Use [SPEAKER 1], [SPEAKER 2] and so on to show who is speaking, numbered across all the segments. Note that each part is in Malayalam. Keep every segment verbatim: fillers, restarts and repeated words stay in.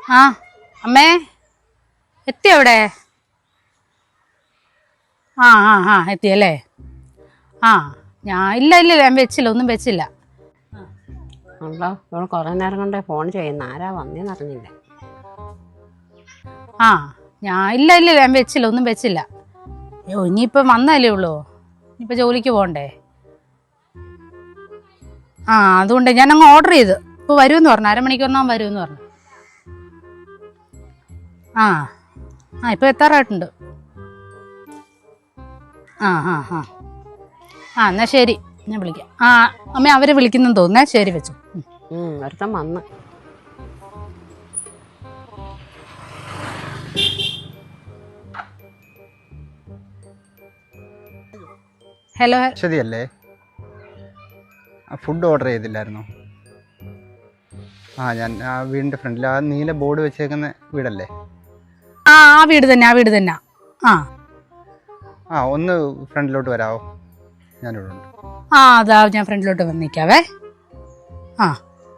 [SPEAKER 1] ആ അമ്മേ എത്തി അവിടെ? ആ ആ ആ എത്തിയല്ലേ? ആ ഞാൻ ഇല്ല ഇല്ല ഞാൻ വെച്ചില്ല, ഒന്നും വെച്ചില്ല.
[SPEAKER 2] ഉണ്ടോ ഇവൾ കുറേ നേരം കൊണ്ട് ഫോൺ ചെയ്യുന്ന, ആരാ വന്നേന്ന് അറിഞ്ഞില്ല.
[SPEAKER 1] ആ ഞാൻ ഇല്ല ഇല്ല ഞാൻ വെച്ചില്ല, ഒന്നും വെച്ചില്ല. അയ്യോ ഇനിയിപ്പം വന്നല്ലേ ഉള്ളൂ, ഇനിയിപ്പോൾ ജോലിക്ക് പോകണ്ടേ. ആ അതുകൊണ്ട് ഞാൻ അങ്ങ് ഓർഡർ ചെയ്ത്, ഇപ്പോൾ വരുമെന്ന് പറഞ്ഞു, അരമണിക്കൂറിനാകും വരുമെന്ന് പറഞ്ഞു. ആ ആ ഇപ്പോൾ എത്താറായിട്ടുണ്ട്. ആ ആ ആ ആ എന്നാൽ ശരി, ഞാൻ വിളിക്കാം. ആ അമ്മ അവർ വിളിക്കുന്നെന്ന് തോന്നുന്നേ, ശരി വെച്ചു.
[SPEAKER 2] ഒരുത്തം വന്ന്.
[SPEAKER 1] ഹലോ
[SPEAKER 3] ശരിയല്ലേ? ഫുഡ് ഓർഡർ ചെയ്തില്ലായിരുന്നോ? ആ ഞാൻ ആ വീടിൻ്റെ ഫ്രണ്ടിൽ ആ നീല ബോർഡ് വെച്ചേക്കുന്ന വീടല്ലേ?
[SPEAKER 1] ആ ആ വീട് തന്നെ, ആ വീട് തന്നെ. ആ
[SPEAKER 3] ആ ഒന്ന് ഫ്രണ്ടിലോട്ട് വരാമോ? ഞാനിവിടെ ഉണ്ട്.
[SPEAKER 1] ആ അതാ ഞാൻ ഫ്രണ്ടിലോട്ട് വന്ന് നിൽക്കാവേ. ആ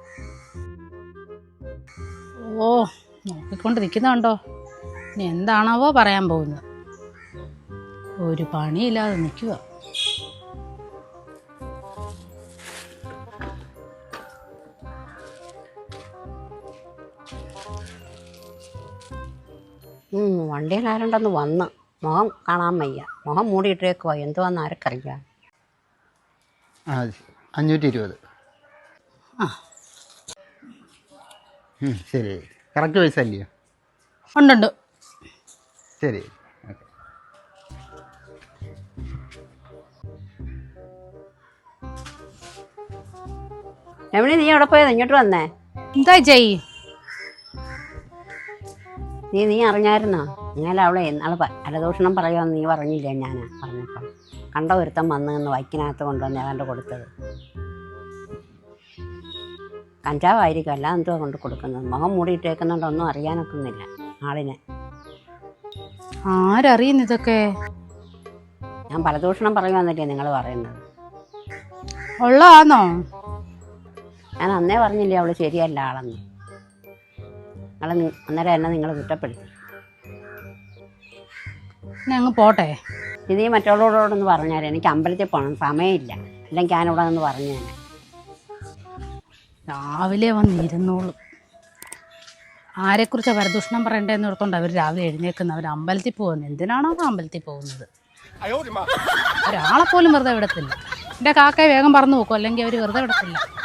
[SPEAKER 1] ഓ നോക്കിക്കൊണ്ട് നിൽക്കുന്നുണ്ടോ, ഇനി എന്താണാവോ പറയാൻ പോകുന്നത്. ഒരു പണിയില്ലാതെ നിൽക്കുക.
[SPEAKER 2] വണ്ടിയിൽ ആരുണ്ടെന്ന് വന്ന്, മുഖം കാണാൻ വയ്യ, മുഖം മൂടിയിട്ടേക്കുവാ, എന്തുവാന്ന് ആർക്കറിയാം.
[SPEAKER 3] ആ അഞ്ഞൂറ്റി ഇരുപത്.
[SPEAKER 1] ആ
[SPEAKER 3] ശരി, കറക്റ്റ് പൈസ അല്ലയോ?
[SPEAKER 1] ഉണ്ടുണ്ട്.
[SPEAKER 3] ശരി ഓക്കെ.
[SPEAKER 2] എവിടെ നീ എവിടെ പോയത്? ഇങ്ങോട്ട് വന്നേ.
[SPEAKER 1] എന്താ ചെയ്?
[SPEAKER 2] നീ നീ അറിഞ്ഞായിരുന്നോ? ഇന്നലെ അവളെ നാളെ അലദൂഷണം പറയുമെന്ന് നീ പറഞ്ഞില്ലേ? ഞാനാ പറഞ്ഞപ്പം കണ്ട ഒരുത്തം വന്ന് നിന്ന് വൈക്കിനകത്ത് കൊണ്ടുവന്ന് ഏതാണ്ട് കൊടുത്തത് കഞ്ചാവായിരിക്കും, അല്ല എന്തുവാ കൊണ്ട് കൊടുക്കുന്നത്. മുഖം മൂടിയിട്ടേക്കുന്നുണ്ടൊന്നും അറിയാനൊക്കുന്നില്ല ആളിനെ.
[SPEAKER 1] ആരറിയുന്നു ഇതൊക്കെ?
[SPEAKER 2] ഞാൻ പലദൂഷണം പറയുമെന്നല്ലേ നിങ്ങൾ പറയുന്നത്?
[SPEAKER 1] ഉള്ളതാണോ?
[SPEAKER 2] ഞാൻ അന്നേ പറഞ്ഞില്ലേ അവള് ശരിയല്ല ആളെന്ന്. നിങ്ങൾ അന്നേരം എന്നെ നിങ്ങൾ കുറ്റപ്പെടുത്തി.
[SPEAKER 1] അങ്ങ് പോട്ടെ.
[SPEAKER 2] ഇത് ഈ മറ്റുള്ളവരോടൊന്ന് പറഞ്ഞാൽ എനിക്ക് അമ്പലത്തിൽ പോകണം, സമയമില്ല, അല്ലെങ്കിൽ ഞാനിവിടെ നിന്ന് പറഞ്ഞു തന്നെ.
[SPEAKER 1] രാവിലെ വന്നിരുന്നോളും. ആരെക്കുറിച്ചാണ് പരദൂഷണം പറയണ്ടേന്ന് ഓർത്തോണ്ട് അവർ രാവിലെ എഴുന്നേക്കുന്നത്. അവർ അമ്പലത്തിൽ പോകുന്നത് എന്തിനാണോ അമ്പലത്തിൽ പോകുന്നത്? ഒരാളെപ്പോലും വെറുതെ വിടത്തില്ല. എൻ്റെ കാക്കയെ വേഗം പറന്നു നോക്കും, അല്ലെങ്കിൽ അവർ വെറുതെ വിടത്തില്ല.